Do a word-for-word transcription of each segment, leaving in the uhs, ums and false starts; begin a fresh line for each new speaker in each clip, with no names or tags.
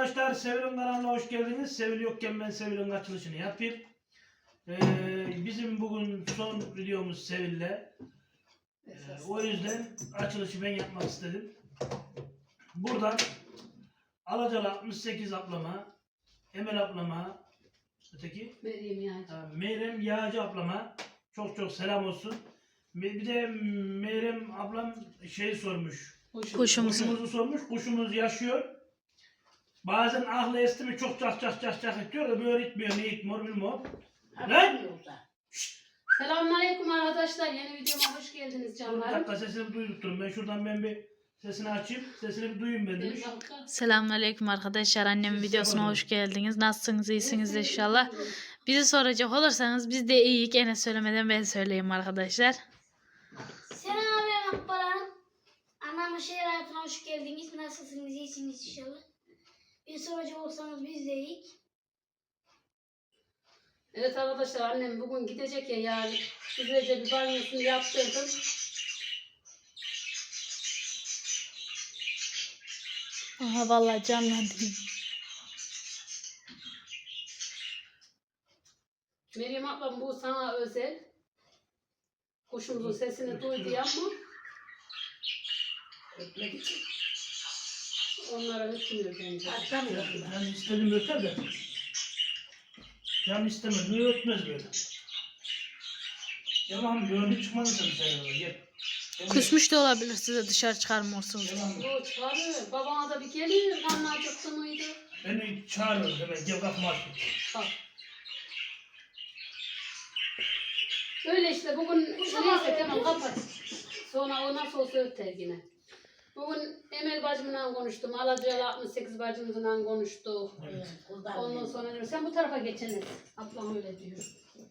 Arkadaşlar Sevil'in kanalına hoş geldiniz. Sevil yokken ben Sevil'in açılışını yapayım. Ee, bizim bugün son videomuz Sevil'le. Ee, o yüzden açılışı ben yapmak istedim. Buradan Alacalı altmış sekiz ablama, Emel ablama, öteki
Meryem Yağcı.
ha, Meyrem Yağcı ablama çok çok selam olsun. Bir de Meyrem ablam şey sormuş.
Kuşumuzu.
Kuşumuzu sormuş. Kuşumuz yaşıyor. Bazen ahlı esti mi çok çak çak çak çak ediyor da böyle itmiyor. Ne itmiyor bilmiyorum. Lan!
Selamünaleyküm arkadaşlar. Yeni videoma hoş geldiniz
Dur bir
canlarım.
dakika sesini duydurttum. Ben şuradan ben bir sesini açayım. Sesini bir duyayım ben demiş.
Selamünaleyküm arkadaşlar. Annemin videosuna hoş geldiniz. Nasılsınız? İyisiniz inşallah. Bizi soracak olursanız biz de iyiyiz. Gene söylemeden ben söyleyeyim arkadaşlar.
Selamünaleyküm Baran. Anamın şehir hayatına hoş geldiniz. Nasılsınız? İyisiniz inşallah. Bir soracak olsanız biz de iyiyiz.
Evet arkadaşlar, annem bugün gidecek ya yani. Güzelce bir banyosunu yaptırdım.
Aha vallahi canlandım.
Meryem ablam bu sana özel. Kuşumuzun sesini duydu ya mı?
Öpmek için.
Onlara hükmüyor bence.
Atlamıyorum.
Ben istedim öter de. Can istemez. Niye ötmez böyle? Yalan görüntü çıkmadı sen sen. Gel. Gel.
Küsmüş de olabilir, size dışarı çıkarmıyorsunuz.
Yalan.
O çağırıyor. Babana da bir geliyor. Kanlı acıktı mıydı?
Beni çağırıyor hemen. Gel kapımı aç.
Bak. Öyle işte bugün neyse tamam kapat. Sonra o nasıl olsa öter yine. Bugün Emel bacımla konuştum. Alacalı altmış sekiz bacımızla konuştuk.
Evet.
Ondan sonra diyor sen bu tarafa geçiniz. Ablam öyle diyor.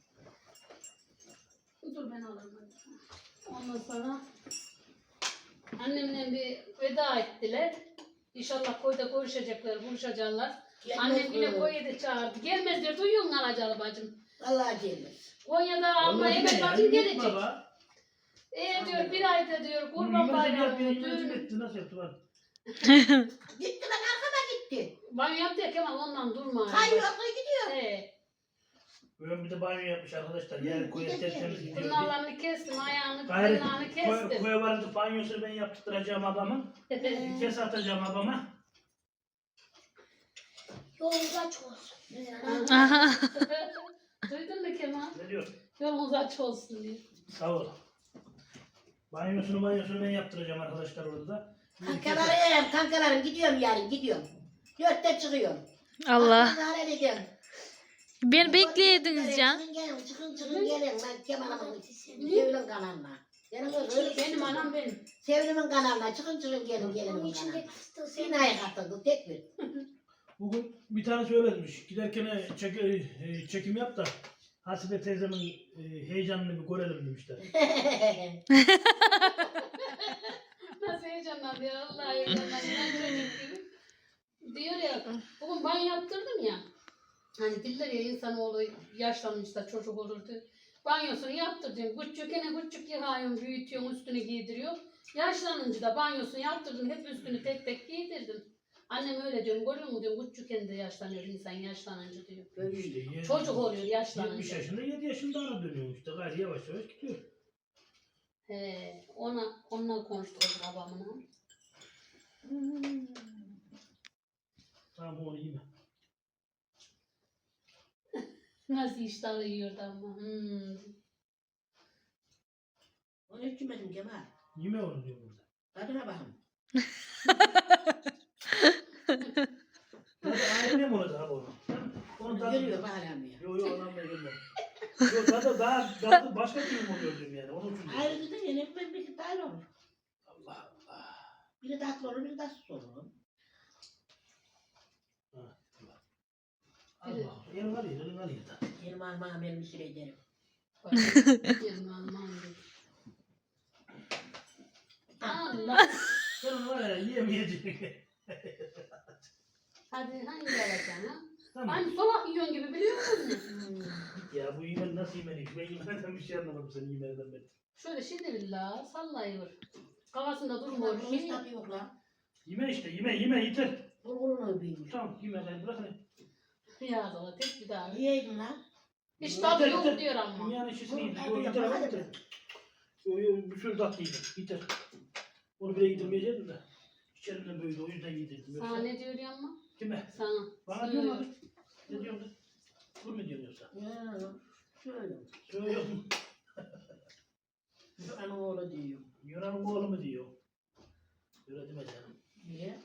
Dur ben alırım. hadi. Ondan sonra annemle bir veda ettiler. İnşallah koyda görüşecekler, buluşacaklar. Annem yine koyu da çağırdı. Gelmez diyor, duyuyor musun Alacalı bacım?
Vallahi gelmez.
Konya'da abla
Vallahi
Emel
yine ya,
bacım
yine
gelecek.
baba.
Ee diyor bir ayda diyor
Bunu
kurban
yemezse diğer
bayramı
bir
düğünü.
yemezse etti. Nasıl yaptı bak.
Gitti bak arkama gitti.
Banyo yaptı ya Kemal ondan durma.
Kayıyor gidiyor.
He.
Böyle bir de banyo yapmış arkadaşlar. Yani koyu tertemiz gidiyor. diye.
Tırnaklarını kestim, ayağını,
Gayret
tırnağını
koy,
kestim.
koya varınca banyosunu ben yaptıracağım ablamın. Bir kez atacağım abama.
Yolunuz açık olsun.
Aha.
Duydun mu Kemal?
Ne diyor?
Yolunuz aç olsun diye.
Sağ ol. Banyosunu banyosunu ben yaptıracağım arkadaşlar orada da. Bir kez-
Kankalarım, kankalarım gidiyorum yarın gidiyorum. Dörtte çıkıyorum.
Allah.
Zarar ediyorum.
Beni bekleydiniz can.
Çıkın gelin, çıkın çıkın gelin. Ben Kemal'ımın Sevim'in kanalına. Benim öyle
Benim anam benim.
Sevim'in kanalına çıkın çıkın gelin
Onun
gelin
içinde
kanalına.
fıstığı
Bir naya katıldı tek bir.
Bugün bir tane söylemiş. Giderken çek, e, çekim yap da Hasibe teyzemin e, heyecanını bir görelim demişler.
Nasıl heyecanlandı ya Allah heyecanlandı. Ben çocuk gibi. Diyor ya bugün ben yaptırdım ya. Hani diller ya insanoğlu yaşlanmış da çocuk olurdu. Banyosunu yaptırdım. Küçükene küçük yıkıyorum, büyütüyorum, üstünü giydiriyor. Yaşlanınca da banyosunu yaptırdım. Hep üstünü tek tek giydirdim. Annem öyle diyorum. Görüyor musun diyorum. Küçükken de yaşlanıyor insan yaşlanınca diyor.
İşte yedi-
Çocuk oluyor
yetmiş
yaşlanınca.
yaşında yedi yaşında ara dönüyor işte. Gayri yavaş yavaş gidiyor.
He, ona onunla konuştuk babamla.
Tamam onu yeme.
Nasıl iştahlı yiyordu ama. Hmm.
Onu hiç yemedim Kemal.
Yeme onu diyor burada.
Tadına bakın.
Tadı ayrı mı olacak abi onu? Onu tadı...
Görüyor baharam ya.
Yok yok ondan ben görmem. Yok tadı daha tadı başka türlü oluyor diyorum yani. Onun için diyorum.
Ayrı da yine ben bir tane olur.
Allah Allah.
Biri tatlı olur, biri tatsız olur.
Ha, Allah. Allah. Yerin var ya, yerin var ya da.
Benim almağım elimi süreceğim.
Bak, yerim almam dedi. Allah.
Sen onu var ya yiyemeyeceksin.
Hadi hangi alacaksın ha?
Tamam.
Hani solak yiyorsun gibi biliyor musun?
Ya bu yemen nasıl yemelik? Ben yemeden bir şey anlamadım senin yemeden ben.
Şöyle şimdi billah sallayıyor. Kafasında durmuyor.
Hiç tadı yok lan.
Yeme işte yeme yeme yeter.
Bulgurunu büyümüş.
Tamam yemeği bırak hadi.
Ya da tek bir daha.
Yiyeydin lan.
Hiç
Yeter,
tadı yok
yeter.
diyor ama.
Dünyanın işçisini yedim.
Hadi
Yo,
yapma,
yeter
hadi
yeter.
be.
Yo, yo, bir sürü tatlı yedim. Yeter. Onu bile yedirmeyecektim de. İçerimden böyle o yüzden yedirdim.
Sana
Yoksa-
ne diyor ya ama?
Kime?
Sana.
Bana diyor mu? Ne diyorsun? Dur mu diyorsun yoksa?
Ya, şöyle.
Söylüyorum.
Anam oğlu diyor.
Yunan'ın oğlu mu diyor? Öyle deme canım.
Niye?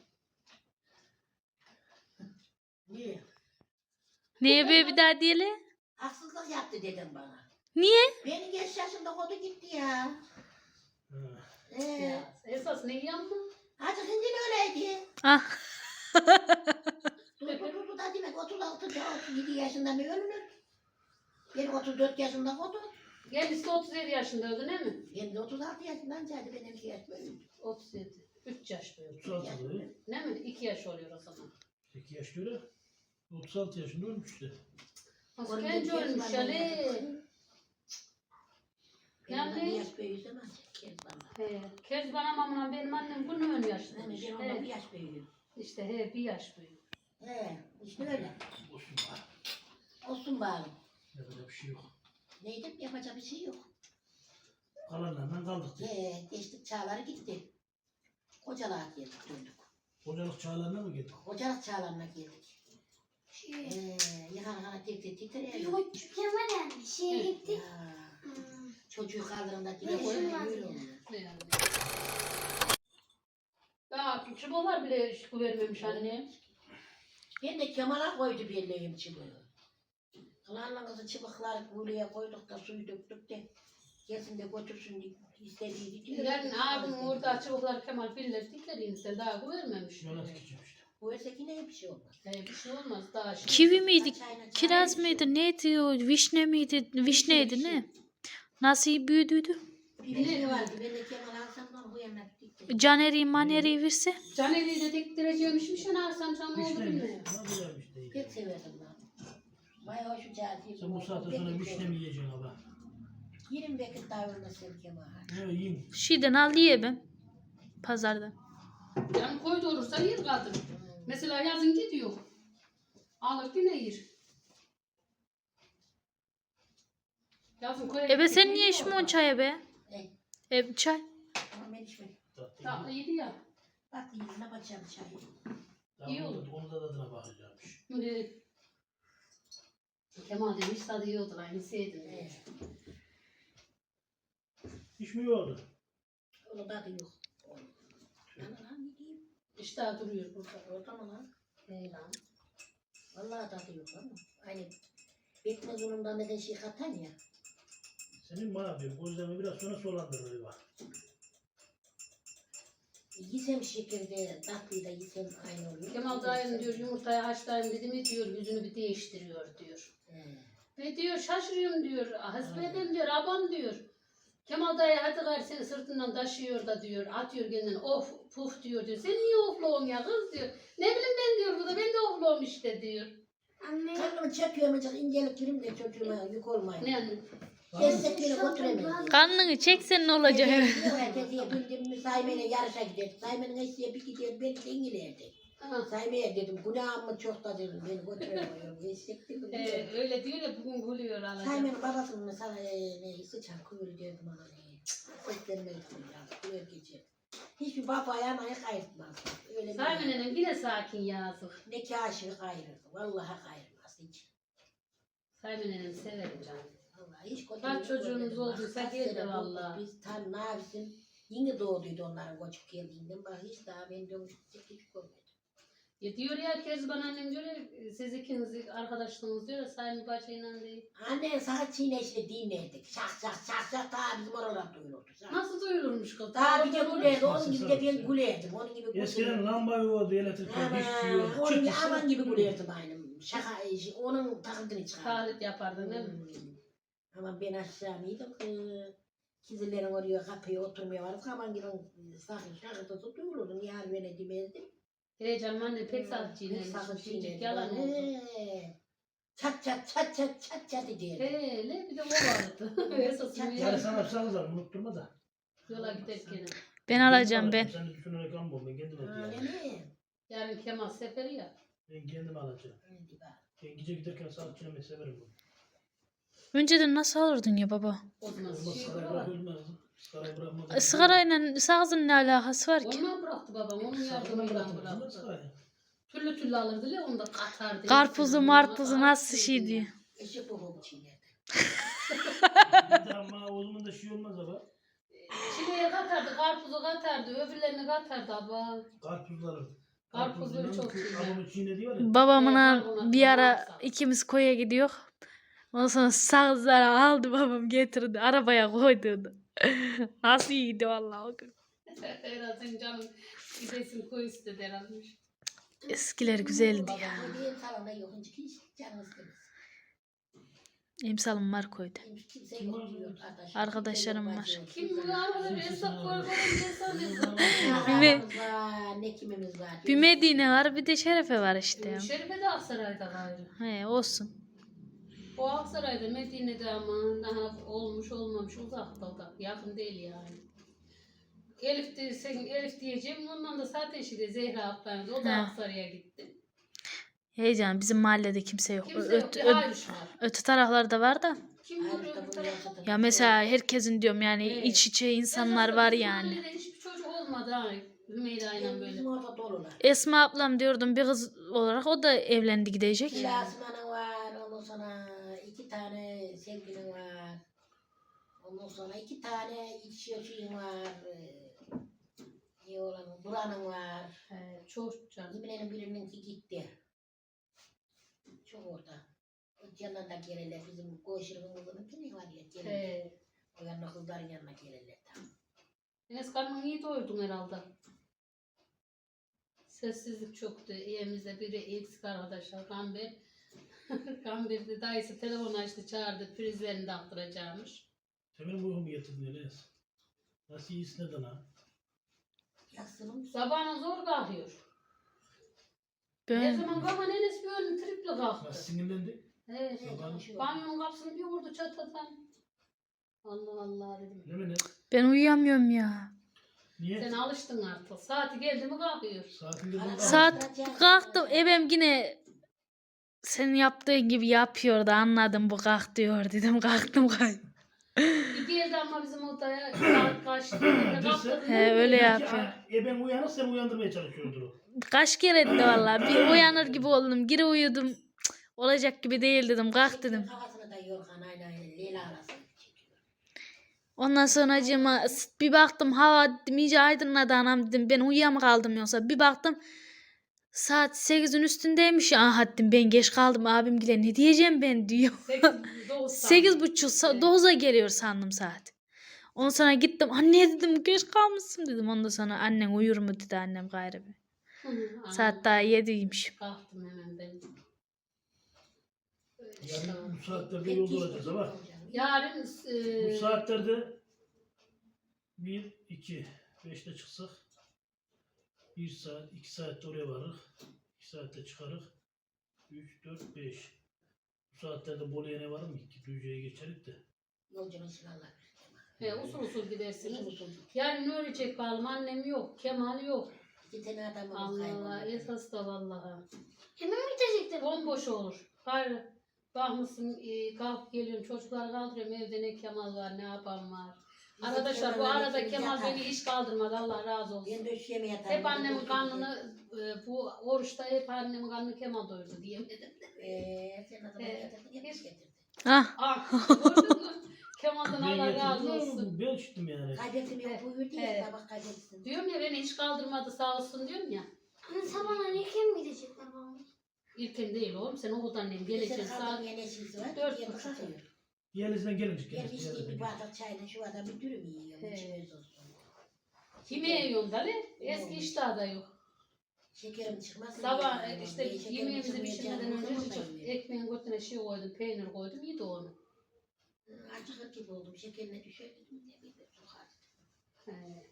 Niye?
Neye be bir daha diyelim?
Haksızlık yaptı dedim bana.
Niye?
Beni genç yaşında kodu gitti ya.
Hı.
Ee,
Ya, esas ne yanma?
Hacı Hıncın öyleydi.
Ah.
Dur dur dur da demek otuz altı otuz yedi yaşında mı ölünür? Benim otuz dört yaşında kodu.
Kendisi otuz yedi yaşında öldü değil mi?
Benim de otuz altı yaşından geldi benim iki yaş büyüdü.
otuz yedi. üç yaş büyük.
otuz altı oluyor.
Değil mi? iki yaş oluyor o zaman.
iki yaş öyle. otuz altı yaşında ölmüştü.
Nasıl
On
genç
yedi
ölmüş
yaşından
Ali.
geldi.
Yani-
Benim bir yaş büyüdü ama Kezban'la.
He. Kezban amamla benim annem bunu ön yaşlıymış.
Yani ben ondan bir
He.
yaş büyüdüm.
İşte he bir yaş büyük.
He, işte öyle.
Olsun bari.
Olsun bari.
Yapacak bir şey yok.
Neydi? Yapacak bir şey yok.
Kalanlardan kaldık diye.
He, geçtik çağları gitti. Kocalığa geldik döndük.
Hocalık çağlarına mı geldik?
Kocalık çağlarına geldik.
Şey,
He, yakan kana tek tek titriyor.
yok çıkamadan şeye gittik.
Ya,
Hmm.
çocuğu kaldırımda
Ne
dile
işin
koyuyor.
var
yürüyor.
ya?
Ne yani? Daha çubuğlar bile iş vermemiş anne.
Ben de Kemal'a koydu birliğim çıbığı. Kılanla kızı çıbıkları kuyuya koyduk da suyu döktük de gelsin de götürsün diye istediği gidiyor.
Yani abim orada çubuklar Kemal Filler dikleriyse daha bu vermemiş.
Yola dikeceğim işte.
Bu esek yine bir şey olmaz.
He, bir şey olmaz daha şimdi.
Kivi miydi?
Çayına-
Kiraz
çayına-
mıydı? Neydi o? Vişne miydi? Vişneydi ne? Nasıl büyüdüydü?
Bir şey vardı. Ben de Kemal alsam da bu yana diktim.
Caneri maneri verse.
Caner'i de diktireceğimişmiş ya Arsan Can ne oldu
Vişne mi?
bilmiyorum.
Ne güzelmiş değil.
Pek severdim ben. Bayağı hoş cazip.
Sen bu saatte sonra vişne mi yiyeceksin abi?
yirmi vakit davranırsın Kemal.
Ne yiyin?
Şeyden al ye ben. Pazardan.
Yani koy doğurursa yer kadın. Mesela yazın gidiyor. Alır yine yer. Yazın koy.
Ebe sen niye içmiyorsun çaya be?
E,
E, çay.
ama ben içmedim.
Tatlı
Tatlı
yiyin.
iyiydi ya.
Bak yüzüne bakacağım çayı.
Daha
iyi
onu
olur.
da- Onu da tadına bakacakmış.
Böyle Kemal demiş tadı yiyordu aynı sevdim.
He.
Hiç mi yordu?
Onun tadı yok. Lan lan ne diyeyim?
İşte duruyor burada.
Orada mı lan?
Hey lan.
Vallahi tadı yok ama. Aynı bekmez unundan neden şey katan ya.
Senin bana diyorum. Gözlerimi biraz sonra solandırır bak.
Yesem şekerde tatlıyı da yesem aynı oluyor.
Kemal dayım diyor yumurtayı haşlayayım dedi mi diyor yüzünü bir değiştiriyor diyor.
He.
Ve diyor şaşırıyorum diyor. Hasbedem diyor abam diyor. Kemal dayı hadi gari seni sırtından taşıyor da diyor. Atıyor kendini of puf diyor diyor. Sen niye ofluğun ya kız diyor. Ne bileyim ben diyor bu da ben de ofluğum işte diyor.
Anne.
Karnımı çekiyorum acık incelik gireyim de çocuğuma yük olmayın.
Ne yani?
Destekleri götüremedim.
Karnını çeksen ne olacak?
Tetiğe bildim Saymen'e yarışa giderdik. Saymen'in eşeğe bir gider belki de İngiliz'e.
Ha.
Saymen'e dedim günahım mı çok da dedim beni götüremiyorum. Eşek dedim.
Ee, öyle diyor ya bugün gülüyor alacak.
Saymen'in babasının mesela e, ne sıçan kuyruğu derdim ona ne. Seslenmeli ya. Kuyruğu geçer. Hiçbir baba ayağına ayak ayırtmaz. Öyle bir
Saymen'in yine sakin yazık.
ne kaşığı ayırır. Vallahi ayırmaz hiç.
Saymen'in severim canım.
Vallahi hiç kötü
Kaç
bir
çocuğunuz
görmedim.
olduysa
Kaç
geldi
sene
vallahi.
bulduk Biz tam ne yapsın? Yine doğduydu onların koçup geldiğinden. Bak hiç daha ben dönüştük hiç görmedim.
Ya diyor ya Kezban annem diyor ya siz ikiniz arkadaşlığınız diyor ya Sayın Bahçe'yle değil.
Annen saat çiğneşle dinlerdik. Şak şak şak şak daha bizim oralar duyulurdu. Şak.
Nasıl duyulurmuş kız?
Daha bir de gülerdi. Onun
Nasıl
gibi de ben
sanatçı?
gülerdim. Onun gibi
Eskiden
gülerdim.
lamba yoğurdu elektrikler hiçbir şey
Aman,
yok.
onun gibi,
Çıt
aman
çıt.
gibi gülerdim aynı. Şaka, onun takıntını çıkardım.
Talit yapardın değil mi?
Hmm. Ama ben aşağı mıydım? Kizillerin oraya kapıya oturmaya varıp aman gibi sakın şakırtısı duyulurdu. Niye hal beni demezdim.
Heyecanım anne pek sağlık
Pek
çiğnemiş.
sakın
Çiğcik
çiğnerdim.
yalan oldu.
He. Çat çat çat çat çat çat derdi.
Hele bir de o vardı. Esasını
Yani
yani
sana salızar unutturma da.
yola giderken.
Ben alacağım ben.
Sen de düşünerek alma ben kendim
Ha,
edeceğim.
ne ne?
Yarın Kemal seferi ya.
Ben kendim alacağım.
Öyle bak.
Ben gece giderken saat çiğnemeyi severim bunu.
Önceden nasıl alırdın ya baba?
O zaman
Olmaz
şey
sigarayı
var.
bırakılmaz. Sigarayı bırakmadan.
E, Sigarayla sağızın ne alakası var ki?
Ondan bıraktı babam. Onun
Sakın
yardımıyla
bırakmadan
bıraktı.
sigarayı.
Türlü türlü alırdı ya onu da katardı.
Karpuzu marpuzu nasıl şey diye.
Eşek babam çiğnerdi.
Bir de ama o zaman da şey olmaz ama.
Çileğe katardı, karpuzu katardı, öbürlerini katardı abla.
Karpuzları.
Karpuzları çok
güzel.
güzel.
Babamın çiğne diyor ya.
Babamla
karbonatlı
bir ara
varsa.
ikimiz koya gidiyor. Ondan sonra sağızları aldı babam getirdi. Arabaya koydurdu. Nasıl iyiydi vallahi o gün.
Herhalde canım gidesin koy istedi herhalde.
Eskiler güzeldi ya.
Babam dediğim salonda yok. Hiç canımız temiz.
Emsalım var koydu.
Kimse
Kim var
yok diyor
orada?
arkadaş.
Arkadaşlarım
Kimse yok,
var.
bacı yok,
Kim
kimse
bu
yok.
arada bir esnaf koy koy insan
Ne
insan.
var, ne kimimiz var.
Bir Medine var bir de Şerefe var işte.
Şerife de Aksaray'da gayrı.
He olsun.
O Aksaray'da Medine'de ama daha olmuş olmamış uzakta o da. Yakın değil yani. Elif de, sen Elif diyeceğim ondan da zaten şimdi Zehra ablaydı. O da
He.
Aksaray'a gitti.
Heyecan bizim mahallede kimse yok.
Kimse yok.
Öte,
Bir
ö-
Ayşe var.
öte taraflarda var da.
Kim var
Ayrıca
öbür
bunu
tarafta?
yaşadım.
Ya mesela herkesin diyorum yani
Evet.
iç içe insanlar var yani.
Bizim hiçbir çocuk olmadı ha. Hümeyra'yla böyle.
Bizim orada dolular.
Esma ablam diyordum bir kız olarak o da evlendi gidecek.
Bir Asman'ın var, ondan sonra iki tane sevgilin var. Ondan sonra iki tane iç yaşayın var. Ee, Ne olan, Buranın var.
He, çok canım.
Yeminenin birininki gitti. Çok orada. O yanına da gelirler. Bizim Koğuşur'un kızının ne var ya gelirler.
He.
O yanına kızların yanına gelirler.
Enes karnını iyi doyurdun herhalde. Sessizlik çoktu. Evimizde biri eksik arkadaşlar. Gamber. Gamber de dayısı telefon açtı çağırdı. Prizlerini de attıracakmış.
Sen benim uykumu getirdin Enes. Nasıl iyisin neden ha?
Yatsınım.
Sabahına zor kalkıyor. Her
Ben
zaman kaman Enes bir önü tripli
Nasıl
kalktı.
sinirlendi?
Evet.
Sabah-
Banyonun kapısını bir vurdu çatadan. Allah Allah dedim.
Ne mi Enes?
ben uyuyamıyorum ya.
Niye?
Sen alıştın artık. Saati geldi mi kalkıyor.
Saatinde bunu
Saat kalktım ebem yine senin yaptığın gibi yapıyordu anladım bu kalk diyor dedim kalktım kay.
Bir geldi ama bizim odaya saat kaçtı. Kalktı.
He, öyle
Belki,
yapıyor.
a- E ben uyanık sen uyandırmaya çalışıyordur o.
Kaç kere etti valla bir uyanır gibi oldum geri uyudum. Cık, olacak gibi değil dedim kalk dedim.
Kafasına da yorgan aynen aynen Leyla arasına çekiyor.
Ondan sonra acıma bir baktım hava dedim iyice aydınladı anam dedim ben uyuyam kaldım yoksa bir baktım saat sekizin üstündeymiş ya aha dedim ben geç kaldım abim gile ne diyeceğim ben diyor. Sekiz buçuk dokuza geliyor sandım saat. Ondan sonra gittim anne dedim geç kalmışsın dedim ondan sonra annen uyur mu dedi annem gayrı bir. Saat daha yediymiş.
Kalktım hemen ben. Öyle işte.
Yani bu saatlerde yolda olacağız ama.
Yarın
Bu
e,
saatlerde bir, iki, beşte çıksak bir saat, iki saatte oraya varırız. iki saatte çıkarız. Üç, dört, beş. Bu saatlerde Bolu'ya ne var mı ki? Düzce'ye geçerik de.
Yolcunun silahlar.
he, usul usul gidersiniz.
Usul usul.
Yarın ne ölecek bakalım annem yok, Kemal yok.
İki tane adamımız
Allah Allah
kayboldu.
esas da vallahi.
Hemen mi bitecektir?
Bomboş olur. Hayır. Bakmışsın e, kalkıp geliyorum çocukları kaldırıyorum evde ne Kemal var ne abam var.
Bizim
Arkadaşlar bu
Kemal'le
arada
ikimiz
Kemal
yatar.
beni hiç kaldırmadı Allah razı olsun.
Ben döşeyeme yatarım.
Hep annemin karnını e, bu oruçta hep annemin karnını Kemal doyurdu diyemedim.
Eee sen ne zaman
Ee,
getirdin? Hep
hiç-
getirdin.
Ah
Ah gördün mü? Kemal'dan
Ben
Allah razı
getirdim
olsun.
ama ben çıktım yani.
Kaybettim yok buyurdu
Evet.
ya sabah kaybetsin.
Diyorum ya beni hiç kaldırmadı sağ olsun diyorum ya.
Hani sabahına ne kim gidecekler babam?
İlkin değil oğlum sen okuldan annem geleceksin
Gelecek
saat.
saat. Yeneşisi var.
dört
Dört
buçuk.
buçuk.
Yeğenizden gelince
Ben
gelince.
içtiğim bir bardak çayla şu adam bir dürüm yiyorum.
He.
İçimiz olsun.
Kime yiyorsun da ne? Eski iştahı da yok.
Şekerim çıkmaz.
Sabah e, işte yemeğimizi pişirmeden önce küçük ekmeğin götüne şey koydum, peynir koydum, yedi onu.
Acıkır gibi oldum. Şekerine düşerdim. Ne bileyim sokar.
He.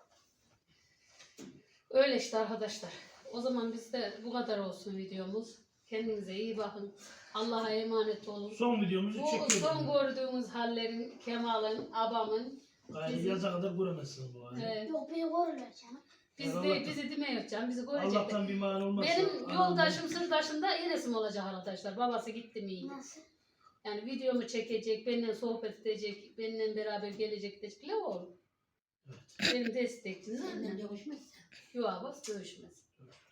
Öyle işte arkadaşlar. O zaman bizde bu kadar olsun videomuz. Kendinize iyi bakın. Allah'a emanet olun.
Son videomuzu
Bu
çekiyoruz.
son gördüğümüz hallerin, Kemal'ın, abamın,
Gayrı
bizim-
yaza kadar göremezsiniz bu halde.
e,
Yok beni korurlar canım.
Biz
Yani
de,
Allah'tan-
bizi demeyecek canım, bizi görecek.
Allah'tan bir mani olmazsa.
Benim
anam-
yoldaşım sırdaşında Enes'im olacak arkadaşlar. Babası gitti mi iyi.
Nasıl?
Yani videomu çekecek, benimle sohbet edecek, benimle beraber gelecek diyecekler olur. Benim destekçim
Senden
ne?
dövüşmezsen.
Yuva bas dövüşmez.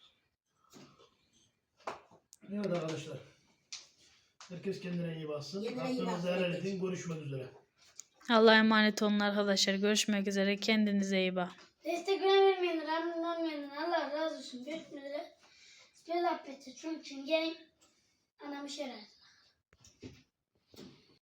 Evet arkadaşlar. Herkes kendine iyi baksın.
Kendine iyi
Aklınızda
baksın
helal
herkes.
edin. Görüşmek üzere.
Allah'a emanet olun arkadaşlar. Görüşmek üzere. Kendinize iyi bakın.
Destek vermeyenler, annem olmayanlar Allah razı olsun. Görüşmek üzere. Böyle affedin. Çünkü gelin anamı şerer.